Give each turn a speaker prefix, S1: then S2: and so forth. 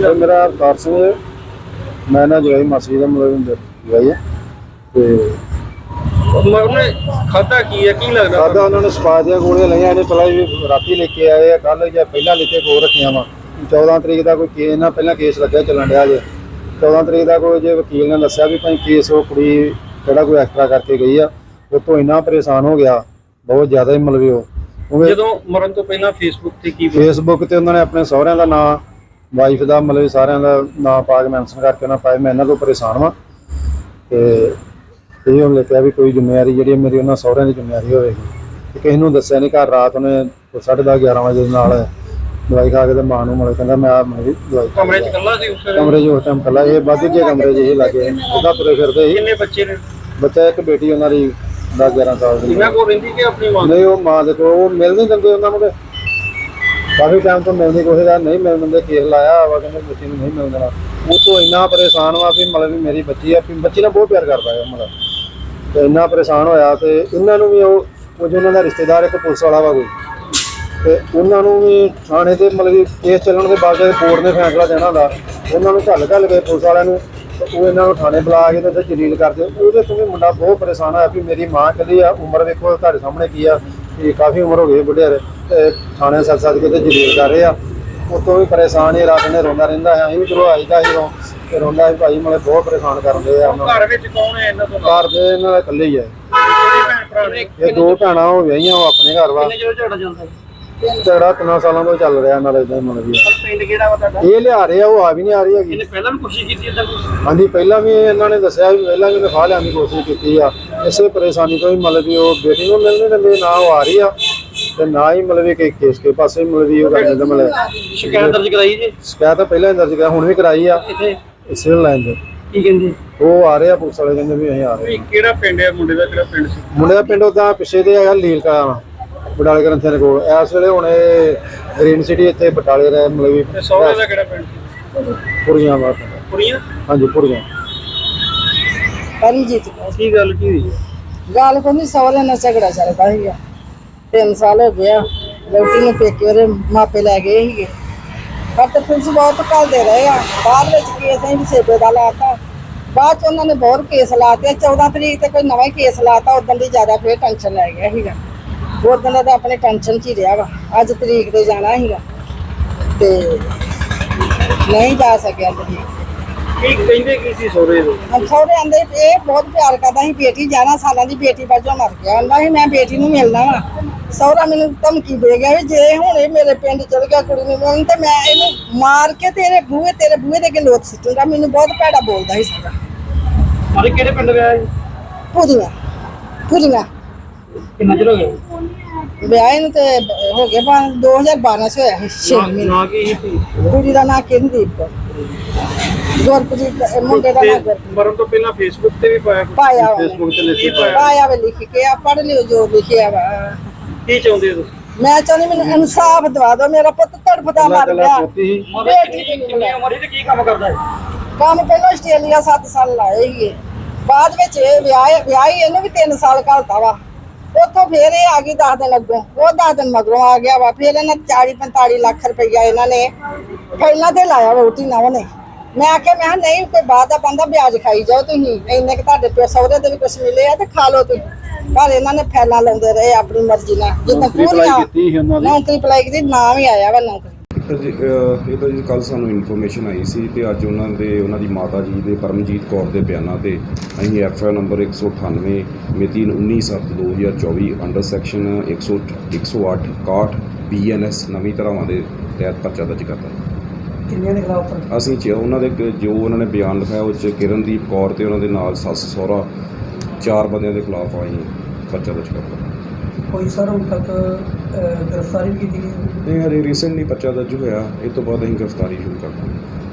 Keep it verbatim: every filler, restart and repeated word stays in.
S1: नाम मेरा अवतार सिंह है। मैं ना जो है मासी का मतलब जवाई है ते
S2: खाता की है की लगदा
S1: खादा उन्होंने स्पा दियां गोलियां लईयां ने पहला भी राती लेके आए आ कल या पहला लेके को रखियां वा चौदह तरीक का कोई केस ना पहला केस लग्या चलन दिया जे चौदह तरीक का कोई जो वकील ने दस्सिया भी भाई केस वो कुड़ी ਜਿਹੜਾ ਕੋਈ ਐਕਸਟਰਾ ਕਰਕੇ ਗਈ ਆ ਉਹ ਤੋਂ ਇੰਨਾ ਪਰੇਸ਼ਾਨ ਹੋ ਗਿਆ ਬਹੁਤ ਜ਼ਿਆਦਾ ਹੀ ਮਤਲਬ ਉਹ
S2: ਜਦੋਂ ਮਰਨ ਤੋਂ ਪਹਿਲਾਂ ਫੇਸਬੁੱਕ ਤੇ ਕੀ
S1: ਫੇਸਬੁੱਕ ਤੇ ਉਹਨਾਂ ਨੇ ਆਪਣੇ ਸਹੁਰਿਆਂ ਦਾ ਨਾਂ ਵਾਈਫ ਦਾ ਮਤਲਬ ਸਾਰਿਆਂ ਦਾ ਨਾਂ ਪਾ ਕੇ ਮੈਂਸ਼ਨ ਕਰਕੇ ਉਹਨਾਂ ਪਾਇਆ ਮੈਂ ਇਹਨਾਂ ਤੋਂ ਪਰੇਸ਼ਾਨ ਵਾਂ ਤੇ ਇਹ ਉਹਨੇ ਕਿਹਾ ਵੀ ਕੋਈ ਜ਼ਿੰਮੇਵਾਰੀ ਜਿਹੜੀ ਮੇਰੀ ਉਹਨਾਂ ਸਹੁਰਿਆਂ ਦੀ ਜ਼ਿੰਮੇਵਾਰੀ ਹੋਵੇਗੀ ਤੇ ਕਿਸੇ ਨੂੰ ਦੱਸਿਆ ਨਹੀਂ ਘਰ ਰਾਤ ਉਹਨੇ ਸਾਢੇ ਦਸ ਗਿਆਰਾਂ ਵਜੇ ਦੇ ਨਾਲ ਦਵਾਈ ਖਾ ਕੇ ਤੇ ਮਾਂ ਨੂੰ ਮਤਲਬ ਕਹਿੰਦਾ ਮੈਂ ਆ ਮੇਰੀ ਦਵਾਈ
S2: ਕਮਰੇ 'ਚ ਇਕੱਲਾ ਸੀ ਉਸ ਵੇਲੇ
S1: ਕਮਰੇ 'ਚ ਉਸ ਟਾਈਮ ਇਕੱਲਾ ਇਹ ਵਾਧੂ ਜੇ ਕਮਰੇ 'ਚ ਇਹ ਲੱਗੇ ਉਹਦਾ ਤੁਰੇ ਫਿਰਦੇ ਸੀ
S2: ਕਿੰਨੇ ਬੱਚੇ ਨੇ
S1: ਬੱਚਾ ਇੱਕ ਬੇਟੀ ਉਹਨਾਂ ਦੀ ਦਸ ਗਿਆਰਾਂ ਸਾਲ ਦੀ
S2: ਇਹਨਾਂ ਕੋਲ ਰਹਿੰਦੀ ਕਿ ਆਪਣੀ ਮਾਂ
S1: ਨਹੀਂ ਉਹ ਮਾਂ ਦੇ ਕੋਲ ਉਹ ਮਿਲ ਨਹੀਂ ਦਿੰਦੇ ਉਹਨਾਂ ਨੂੰ ਕਾਫੀ ਟਾਈਮ ਤੋਂ ਮਿਲਦੀ ਕੋਸ਼ਿਸ਼ ਕਰ ਨਹੀਂ ਮਿਲਣ ਦਿੰਦੇ ਕੇਸ ਲਾਇਆ ਵਾ ਕਹਿੰਦੇ ਬੱਚੀ ਨੂੰ ਨਹੀਂ ਮਿਲਣ ਦੇਣਾ ਉਹ ਤੋਂ ਇੰਨਾ ਪਰੇਸ਼ਾਨ ਵਾ ਵੀ ਮਤਲਬ ਵੀ ਮੇਰੀ ਬੱਚੀ ਆ ਵੀ ਬੱਚੀ ਨਾਲ ਬਹੁਤ ਪਿਆਰ ਕਰਦਾ ਹੈ ਮਤਲਬ ਤੇ ਇੰਨਾ ਪਰੇਸ਼ਾਨ ਹੋਇਆ ਤੇ ਇਹਨਾਂ ਨੂੰ ਵੀ ਉਹ ਉਹ ਜੋ ਉਹਨਾਂ ਦਾ ਰਿਸ਼ਤੇਦਾਰ ਇੱਕ ਪੁਲਿਸ ਵਾਲਾ ਵਾ ਕੋਈ ਤੇ ਉਹਨਾਂ ਨੂੰ ਵੀ ਥਾਣੇ ਤੇ ਮਤਲਬ ਕਿ ਕੇਸ ਚੱਲਣ ਦੇ ਬਾਅਦ ਕੋਰਟ ਨੇ ਫੈਸਲਾ ਦੇਣਾ ਹੁੰਦਾ ਉਹਨਾਂ ਨੂੰ ਘੱਲ ਘੱਲ ਕੇ ਪੁਲਿਸ ਵਾਲਿਆਂ ਨੂੰ ਉਹ ਇਹਨਾਂ ਨੂੰ ਥਾਣੇ ਬੁਲਾ ਕੇ ਤੇ ਉੱਥੇ ਜਲੀਲ ਕਰਦੇ ਉਹਦੇ ਤੋਂ ਵੀ ਮੁੰਡਾ ਬਹੁਤ ਪਰੇਸ਼ਾਨ ਹੋਇਆ ਵੀ ਮੇਰੀ ਮਾਂ ਕਹਿੰਦੀ ਆ ਉਮਰ ਵੇਖੋ ਤੁਹਾਡੇ ਸਾਹਮਣੇ ਕੀ ਆ ਕਿ ਕਾਫੀ ਉਮਰ ਹੋ ਗਈ ਬੁੱਢਿਆਰੇ ਤੇ ਥਾਣੇ ਸੱਦ ਸੱਦ ਕੇ ਤੇ ਜਲੀਲ ਕਰ ਰਹੇ ਆ ਉਤੋਂ ਵੀ ਪਰੇਸ਼ਾਨ ਹੀ ਰਾਤ ਨੇ ਰੋਂਦਾ ਰਹਿੰਦਾ ਹੈ ਅਸੀਂ ਵੀ ਚਲੋ ਆਈਦਾ ਸੀ ਰੋ ਤੇ ਰੋਂਦਾ ਸੀ ਭਾਈ ਮਤਲਬ ਬਹੁਤ ਪਰੇਸ਼ਾਨ ਕਰਦੇ ਆ
S2: ਘਰ ਵਿੱਚ ਕੌਣ ਹੈ ਇਹਨਾਂ ਤੋਂ
S1: ਘਰ ਦੇ ਇਹਨਾਂ ਦਾ ਇਕੱਲੇ ਹੀ ਹੈ ਇਹ ਦੋ ਭੈਣਾਂ ਹੋ ਗਈਆਂ ਉਹ ਆਪਣੇ ਘਰ ਵਾ
S2: ਕਿੰਨੇ ਚਿਰ ਝਗੜਾ ਚੱਲਦਾ
S1: ਝਗੜਾ ਤਿੰਨਾਂ ਸਾਲਾਂ ਤੋਂ ਚੱਲ ਰਿਹਾ ਇਹਨਾਂ ਦਾ ਇਦਾਂ ਹੀ ਮਤਲਬ ਵੀ
S2: ਪਿੰਡ ਕਿਹੜਾ ਵਾ ਤੁਹਾਡਾ
S1: ਇਹ ਲਿਆ ਰਹੇ ਆ ਉਹ ਆ ਵੀ ਨਹੀਂ ਆ ਰਹੀ ਹੈਗੀ
S2: ਇਹਨੇ ਪਹਿਲਾਂ ਵੀ ਕੋਸ਼ਿਸ਼ ਕੀਤੀ ਇਦਾਂ ਕੁਝ
S1: ਹਾਂਜੀ ਪਹਿਲਾਂ ਵੀ ਇਹਨਾਂ ਨੇ ਦੱਸਿਆ ਵੀ ਪਹਿਲਾਂ ਵੀ ਫਾਹ ਲਿਆਉਣ ਦੀ ਕੋਸ਼ਿਸ਼ ਕੀਤੀ ਆ ਇਸੇ ਪਰੇਸ਼ਾਨੀ ਤੋਂ ਹੀ ਮਤਲਬ ਵੀ ਉਹ ਬੇਟੀ ਨੂੰ ਮਿਲਣੇ ਦਿੰਦੇ ਨਾ ਉਹ ਆ ਰਹੀ ਆ ਤੇ ਨਾ ਹੀ ਮਤਲਬ ਕਿ ਕੇਸ ਕੇ ਪਾਸੇ ਮਤਲਬ ਵੀ ਉਹ ਕਰ ਦਿੰਦੇ ਮਤਲਬ
S2: ਸ਼ਿਕਾਇਤ ਦਰਜ ਕਰਾਈ ਜੀ
S1: ਸ਼ਿਕਾਇਤ ਤਾਂ ਪਹਿਲਾਂ ਹੀ ਦਰਜ ਕਰਾ ਹੁਣ ਵੀ ਕਰਾਈ ਆ
S2: ਇੱਥੇ
S1: ਸਿਵਲ ਲਾਈਨ ਤੇ
S2: ਕੀ ਕਹਿੰਦੇ
S1: ਉਹ ਆ ਰਹੇ ਆ ਪੁਲਿਸ ਵਾਲੇ ਕਹਿੰਦੇ ਵੀ ਅਸੀਂ ਆ ਰਹੇ
S2: ਕਿਹੜਾ ਪਿੰਡ ਹੈ ਮੁੰਡੇ ਦਾ ਕਿਹੜਾ ਪਿੰਡ ਸੀ
S1: ਮੁੰਡੇ ਦਾ ਪਿੰਡ ਉਹਦਾ ਪਿੱਛੇ ਤੇ ਹੈਗਾ ਲੀਲ ਕਾ ਬਟਾਲੇ ਗ੍ਰੰਥੀਆਂ ਦੇ ਕੋਲ ਇਸ ਵੇਲੇ ਹੁਣ ਇਹ ਗ੍ਰੀਨ ਸਿਟੀ ਇੱਥੇ ਬਟਾਲੇ ਦਾ ਮਤਲਬ ਵੀ
S2: ਤੇ ਸਹੁਰੇ ਦਾ ਕਿਹੜਾ ਪਿੰਡ ਸੀ
S1: ਪੁਰੀਆਂ ਵਾ
S2: ਕੁੜੀਆਂ
S1: ਹਾਂਜੀ ਪੁਰੀਆਂ
S3: ਪਰਮਜੀਤ
S2: ਕੀ ਗੱਲ ਕੀ ਹੋਈ
S3: ਗੱਲ ਕੋਈ ਨਹੀਂ ਸਹੁਰੇ ਨਾਲ ਝਗੜਾ ਚੱਲਦਾ ਸੀਗਾ ਤਿੰਨ ਸਾਲ ਹੋ ਗਿਆ ਲੜਕੀ ਨੂੰ ਪੇਕੇ ਉਹਦੇ ਮਾਪੇ ਲੈ ਗਏ ਸੀਗੇ ਪਰ ਤੇ ਪੁਲਿਸ ਬਹੁਤ ਘੱਲਦੇ ਰਹੇ ਆ ਬਾਅਦ ਵਿੱਚ ਕੇਸ ਅਸੀਂ ਵੀ ਸੇਬੇ ਦਾ ਲਾਤਾ ਬਾਅਦ ਚ ਉਹਨਾਂ ਨੇ ਬਹੁਤ ਕੇਸ ਲਾਤੇ ਚੌਦਾਂ ਤਰੀਕ ਤੇ ਕੋਈ ਨਵਾਂ ਹੀ ਕੇਸ ਲਾਤਾ ਉਦੋਂ ਦੀ ਜ਼ਿਆਦਾ ਫੇਰ ਟੈਨਸ਼ਨ ਲੈ ਗਿਆ ਸੀਗਾ ਉਦੋਂ ਦਾ ਤਾਂ ਆਪਣੇ ਟੈਨਸ਼ਨ 'ਚ ਹੀ ਰਿਹਾ ਵਾ ਅੱਜ ਤਰੀਕ ਤੇ ਜਾਣਾ ਸੀਗਾ ਤੇ ਨਹੀਂ ਜਾ ਸਕਿਆ ਤਰੀਕ
S2: ਕੀ ਕਹਿੰਦੇ ਕੀ ਸੀ ਸਹੁਰੇ ਦੇ
S3: ਹਮ ਸਹੁਰੇ ਆਂਦੇ ਇਹ ਬਹੁਤ ਪਿਆਰ ਕਰਦਾ ਸੀ ਬੇਟੀ ਗਿਆਰਾਂ ਸਾਲਾਂ ਦੀ ਬੇਟੀ ਵਜੋਂ ਮਰ ਗਿਆ ਆਂਦਾ ਸੀ ਮੈਂ ਬੇਟੀ ਨੂੰ ਮਿਲਣਾ ਵਾ ਸਹੁਰਾ ਮੈਨੂੰ ਧਮਕੀ ਦੇ ਗਿਆ ਵੀ ਜੇ ਹੁਣ ਇਹ ਮੇਰੇ ਪਿੰਡ ਚਲ ਗਿਆ ਕੁੜੀ ਨੂੰ ਮਿਲਣ ਤੇ ਮੈਂ ਇਹਨੂੰ ਮਾਰ ਕੇ ਤੇਰੇ ਬੂਹੇ ਤੇਰੇ ਬੂਹੇ ਦੇ ਅੱਗੇ ਲੋਟ ਸਿੱਟੂਗਾ ਮੈਨੂੰ ਬਹੁਤ ਭੈੜਾ ਬੋਲਦਾ ਸੀ ਸਾਰਾ
S2: ਮਾਰੇ ਕਿਹੜੇ ਪਿੰਡ ਗਿਆ ਜੀ
S3: ਪੂਰੀਆਂ ਪੂਰੀਆਂ
S2: ਕਿੰਨਾ ਚਿਰ ਹੋ ਗਿਆ
S3: ਵਿਆਹ ਨੂੰ ਤੇ ਹੋ ਗਿਆ ਬਾ ਦੋ ਹਜ਼ਾਰ ਬਾਰਾਂ ਚ ਹੋਇਆ ਸੀ ਛੇ ਮਹੀਨੇ
S2: ਨਾ ਕੀ ਸੀ
S3: ਕੁੜੀ ਦਾ ਨਾਂ ਕਿੰਦੀਪ ਕੌਰ ਗੁਰਪ੍ਰੀਤ ਮੁੰਡੇ ਦਾ ਨਾਂ ਗੁਰਪ੍ਰੀਤ
S2: ਮਰਨ ਤੋਂ ਪਹਿਲਾਂ ਫੇਸਬੁੱਕ ਤੇ ਵੀ ਪਾਇਆ ਕੁਛ?
S3: ਪਾਇਆ ਉਹਨੇ।
S1: ਫੇਸਬੁੱਕ ਤੇ ਲਿਖੀ
S2: ਕੀ ਪਾਇਆ?
S3: ਪਾਇਆ ਵੇ ਲਿਖ ਕੇ ਆ ਪੜ੍ਹ ਲਿਓ ਜੋ ਲਿਖਿਆ ਵਾ
S2: ਕੀ ਚਾਹੁੰਦੇ ਹੋ ਤੁਸੀਂ
S3: ਮੈਂ ਚਾਹੁੰਦੀ ਮੈਨੂੰ ਇਨਸਾਫ ਦਵਾ ਦਿਓ ਮੇਰਾ ਪੁੱਤ ਤੜਫਦਾ ਮਰ ਗਿਆ
S1: ਪੋਤੀ ਸੀ
S3: ਬੇਟੀ ਦੀ
S2: ਕਿੰਨੀ ਉਮਰ ਹੈ ਤੇ ਕੀ ਕੰਮ ਕਰਦਾ ਹੈ
S3: ਕੰਮ ਪਹਿਲਾਂ ਆਸਟ੍ਰੇਲੀਆ ਸੱਤ ਸਾਲ ਲਾਏ ਸੀਗੇ ਬਾਅਦ ਵਿੱਚ ਇਹ ਵਿਆਹ ਵਿਆਹੀ ਇਹਨੂੰ ਵੀ ਤਿੰਨ ਸਾਲ ਘਲਤਾ ਵਾ ਉੱਥੋਂ ਫੇਰ ਇਹ ਆ ਗਈ ਦਸ ਦਿਨ ਅੱਗੋਂ ਉਹ ਦਸ ਦਿਨ ਮਗਰੋਂ ਆ ਗਿਆ ਵਾ ਫਿਰ ਇਹਨਾਂ ਚਾਲੀ ਪੰਤਾਲੀ ਲੱਖ ਰੁਪਈਆ ਇਹਨਾਂ ਨੇ ਪਹਿਲਾਂ ਤੇ ਲਾਇਆ ਵੋਟੀ ਨਾ ਉਹਨੇ ਮੈਂ ਆਖਿਆ ਮੈਂ ਕਿਹਾ ਨਹੀਂ ਕੋਈ ਬਾਅਦ ਦਾ ਬੰਦਾ ਵਿਆਜ ਖਾਈ ਜਾਓ ਤੁਸੀਂ ਇੰਨੇ ਕਿ ਤੁਹਾਡੇ ਪਿਓ ਸਹੁਰੇ ਦੇ ਵੀ ਕੁਛ ਮਿਲੇ ਆ ਤੇ ਖਾ ਲਓ ਤੁਸੀਂ ਪਰ ਇਹਨਾਂ ਨੇ ਫੈਲਾ ਲਾਉਂਦੇ ਰਹੇ ਆਪਣੀ ਮਰਜ਼ੀ ਨਾਲ ਜਿੱਦਾਂ
S1: ਨੌਕਰੀ ਅਪਲਾਈ
S3: ਪੂਰੀਆਂ
S1: ਕੀਤੀ ਸੀ ਉਹਨਾਂ ਦੀ
S3: ਨੌਕਰੀ ਅਪਲਾਈ ਕੀਤੀ ਨਾਮ ਹੀ ਆਇਆ ਵਾ ਨੌਕਰੀ
S4: ਜੀ ਅਹ ਇਹ ਤਾਂ ਜੀ ਕੱਲ੍ਹ ਸਾਨੂੰ ਇਨਫੋਰਮੇਸ਼ਨ ਆਈ ਸੀ ਤੇ ਅੱਜ ਉਹਨਾਂ ਦੇ ਉਹਨਾਂ ਦੀ ਮਾਤਾ ਜੀ ਦੇ ਪਰਮਜੀਤ ਕੌਰ ਦੇ ਬਿਆਨਾਂ ਤੇ ਅਸੀਂ ਐਫ ਆਈ ਆਰ ਨੰਬਰ ਇੱਕ ਸੌ ਅਠਾਨਵੇਂ ਮਿਤੀ ਉੱਨੀ ਸੱਤ ਦੋ ਹਜ਼ਾਰ ਚੌਵੀ ਅੰਡਰ ਸੈਕਸ਼ਨ ਇੱਕ ਸੌ ਇੱਕ ਸੌ ਅੱਠ ਇਕਾਹਠ ਬੀ ਐਨ ਐਸ ਨਵੀਂ ਧਾਰਾਵਾਂ ਦੇ ਤਹਿਤ ਪਰਚਾ ਦਰਜ ਕਰਤਾ।
S3: ਕਿੰਨੀਆਂ ਦੇ ਖਿਲਾਫ
S4: ਅਸੀਂ ਚ ਉਹਨਾਂ ਦੇ ਕ- ਜੋ ਉਹਨਾਂ ਨੇ ਬਿਆਨ ਲਿਖਾਇਆ ਉਹ 'ਚ ਕਿਰਨਦੀਪ ਕੌਰ ਤੇ ਉਹਨਾਂ ਦੇ ਨਾਲ ਸੱਸ ਸਹੁਰਾ ਚਾਰ ਬੰਦਿਆਂ ਦੇ ਖਿਲਾਫ ਅਸੀਂ ਪਰਚਾ ਦਰਜ ਕਰਤਾ।
S3: ਕੋਈ ਸਰ ਹੁਣ ਤੱਕ ਗ੍ਰਿਫਤਾਰੀ ਕੀਤੀ ਗਈ
S4: ਨਹੀਂ ਹਰੇ ਰੀਸੈਂਟਲੀ ਪਰਚਾ ਦਰਜ ਹੋਇਆ ਇਹ ਤੋਂ ਬਾਅਦ ਅਸੀਂ ਗ੍ਰਿਫਤਾਰੀ ਸ਼ੁਰੂ ਕਰ ਦਾਂਗੇ।